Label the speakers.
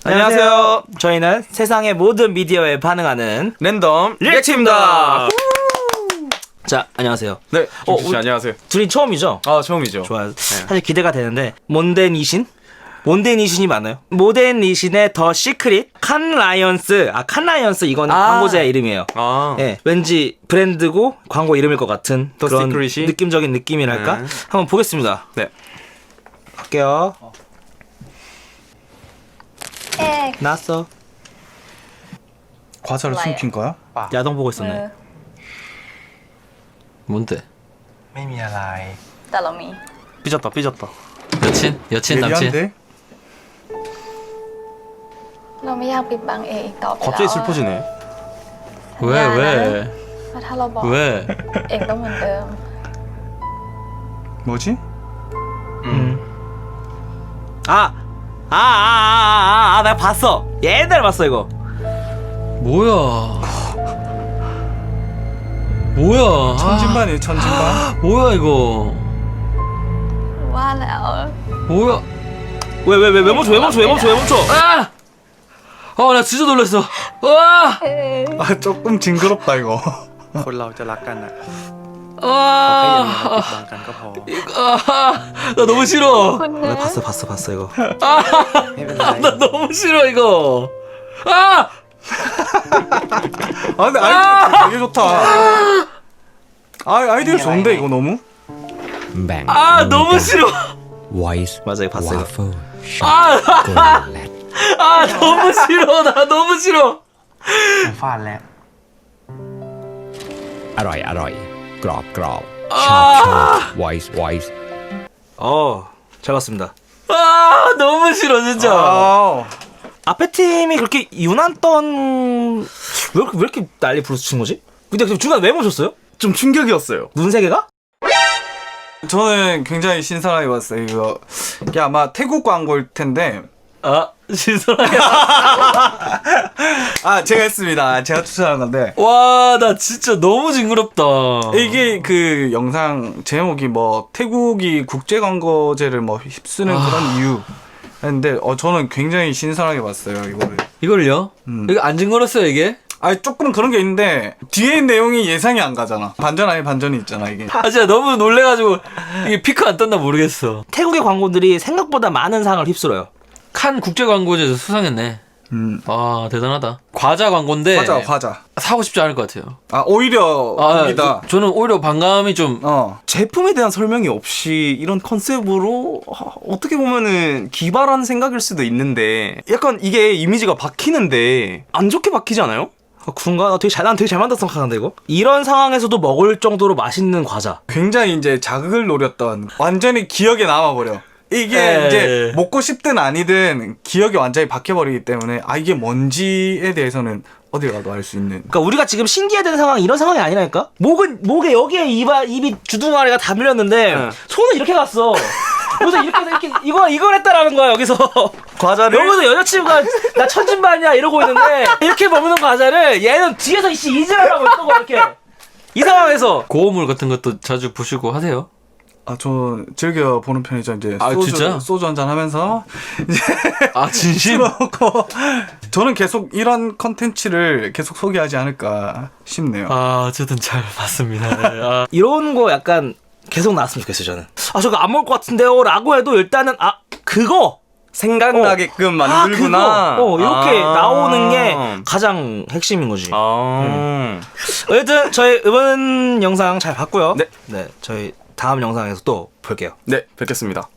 Speaker 1: 안녕하세요. 저희는 세상의 모든 미디어에 반응하는
Speaker 2: 랜덤
Speaker 1: 리액트입니다. 자, 안녕하세요.
Speaker 2: 네, 씨 안녕하세요.
Speaker 1: 둘이 처음이죠?
Speaker 2: 아, 처음이죠.
Speaker 1: 좋아요. 사실 기대가 되는데 몬데니신? 몬데니신이 맞나요? 몬데니신의 더 시크릿 칸 라이언스. 칸 라이언스 이건 광고자의 이름이에요. 네, 왠지 브랜드고 광고 이름일 것 같은
Speaker 2: 더
Speaker 1: 그런
Speaker 2: 시크릿이?
Speaker 1: 느낌적인 느낌이랄까? 한번 보겠습니다.
Speaker 2: 네.
Speaker 1: 갈게요.
Speaker 3: 에
Speaker 1: 나왔어.
Speaker 4: 과자를
Speaker 3: 몰라요.
Speaker 4: 숨긴 거야?
Speaker 1: 야동 보고 있었네.
Speaker 2: 뭔데?
Speaker 4: ไม่มีอะไร
Speaker 3: แต่เรามี
Speaker 1: 삐졌다.
Speaker 2: 여친 남친.
Speaker 4: 예리한데?
Speaker 3: เราไม่อยากปิดบังเออีกต่อไปแล้ว
Speaker 2: 갑자기 슬퍼지네.
Speaker 3: สัญญานะ
Speaker 2: 왜?
Speaker 3: ว่าถ้าเราบอก
Speaker 2: 왜?
Speaker 3: เอกต้องเหมือนเดิม
Speaker 4: 뭐지?
Speaker 1: 내가 봤어. 옛날에 봤어 이거.
Speaker 2: 뭐야? 뭐야?
Speaker 4: 천진반이에요, 천진반.
Speaker 2: 뭐야 이거?
Speaker 3: ว่าแล้ว
Speaker 2: 뭐야?
Speaker 1: 왜 멈춰?
Speaker 2: 아! 나 진짜 놀랐어. 와!
Speaker 4: 아, 조금 징그럽다, 이거.
Speaker 5: คนเราจะรักกันอะ
Speaker 2: 아!
Speaker 5: บางกันก็พอ
Speaker 2: 나 너무 싫어.
Speaker 3: คุณนะ
Speaker 1: 봤어 이거.
Speaker 5: ไม่เป็นไร
Speaker 2: 나 너무 싫어 이거. 아!
Speaker 4: 아, 근데 아이디어 되게 좋다. 아이디어 좋은데, 이거 너무?
Speaker 2: 너무 싫어.
Speaker 6: Voice
Speaker 1: 맞아, 이거 봤어, 이거.
Speaker 6: Waffle
Speaker 2: 아! 너무 싫어. 나 너무 싫어.
Speaker 5: ฟาดแล้ว
Speaker 6: อร่อยอร่อยกรอบกรอบชอบชอบ Voice Voice
Speaker 1: 잘 봤습니다.
Speaker 2: 너무 싫어 진짜.
Speaker 4: 아,
Speaker 1: 앞에 팀이 그렇게 유난던 왜 이렇게 난리 부르치는 거지? 근데 중간 왜 멈췄어요?
Speaker 4: 좀 충격이었어요.
Speaker 1: 눈 세 개가?
Speaker 4: 저는 굉장히 신선하게 봤어요, 이거. 이게 아마 태국 광고일 텐데.
Speaker 2: 신선하게.
Speaker 4: 제가 했습니다. 제가 추천한 건데.
Speaker 2: 와, 나 진짜 너무 징그럽다.
Speaker 4: 이게 그 영상 제목이 뭐 태국이 국제광고제를 뭐 휩쓰는 그런 이유 했는데 저는 굉장히 신선하게 봤어요, 이거를.
Speaker 2: 이걸요? 이거 안 징그럽어요 이게?
Speaker 4: 조금 그런 게 있는데 뒤에 내용이 예상이 안 가잖아. 반전 아닌 반전이 있잖아, 이게.
Speaker 2: 진짜 너무 놀래가지고 이게 피크 안 떴나 모르겠어.
Speaker 1: 태국의 광고들이 생각보다 많은 상을 휩쓸어요.
Speaker 2: 칸 국제광고제에서 수상했네. 대단하다. 과자 광고인데
Speaker 4: 과자.
Speaker 2: 사고 싶지 않을 것 같아요.
Speaker 4: 오히려 여기다.
Speaker 2: 저는 오히려 반감이 좀
Speaker 7: 제품에 대한 설명이 없이 이런 컨셉으로 어떻게 보면은 기발한 생각일 수도 있는데 약간 이게 이미지가 박히는데 안 좋게 박히지 않아요?
Speaker 1: 그런가? 난 되게 잘 만들었다 생각하는데 이거? 이런 상황에서도 먹을 정도로 맛있는 과자.
Speaker 4: 굉장히 이제 자극을 노렸던 완전히 기억에 남아버려. 이게 이제 먹고 싶든 아니든 기억이 완전히 박혀버리기 때문에 이게 뭔지에 대해서는 어딜 가도 알 수 있는.
Speaker 1: 그러니까 우리가 지금 신기해야 되는 상황이 이런 상황이 아니라니까? 목에 여기에 입이 주둥아리가 다 밀렸는데 손은 이렇게 갔어. 그래서 이렇게 이걸 했다라는 거야 여기서.
Speaker 7: 과자를
Speaker 1: 여기서 여자친구가 나 천진반이야 이러고 있는데 이렇게 먹는 과자를 얘는 뒤에서 이질하라고 있던 거야 이렇게. 이 상황에서
Speaker 2: 고어물 같은 것도 자주 보시고 하세요?
Speaker 4: 저 즐겨 보는 편이죠. 이제
Speaker 2: 진짜?
Speaker 4: 소주 한잔 하면서 이제
Speaker 2: 진심?
Speaker 4: 먹고 저는 계속 이런 컨텐츠를 계속 소개하지 않을까 싶네요.
Speaker 2: 어쨌든 잘 봤습니다.
Speaker 1: 이런 거 약간 계속 나왔으면 좋겠어요 저는. 저거 안 먹을 것 같은데요 라고 해도 일단은 그거
Speaker 7: 생각나게끔 만들구나.
Speaker 1: 그거 이렇게 나오는 게 가장 핵심인 거지. 어쨌든 저희 이번 영상 잘 봤고요.
Speaker 7: 네.
Speaker 1: 저희 다음 영상에서 또 볼게요.
Speaker 7: 네, 뵙겠습니다.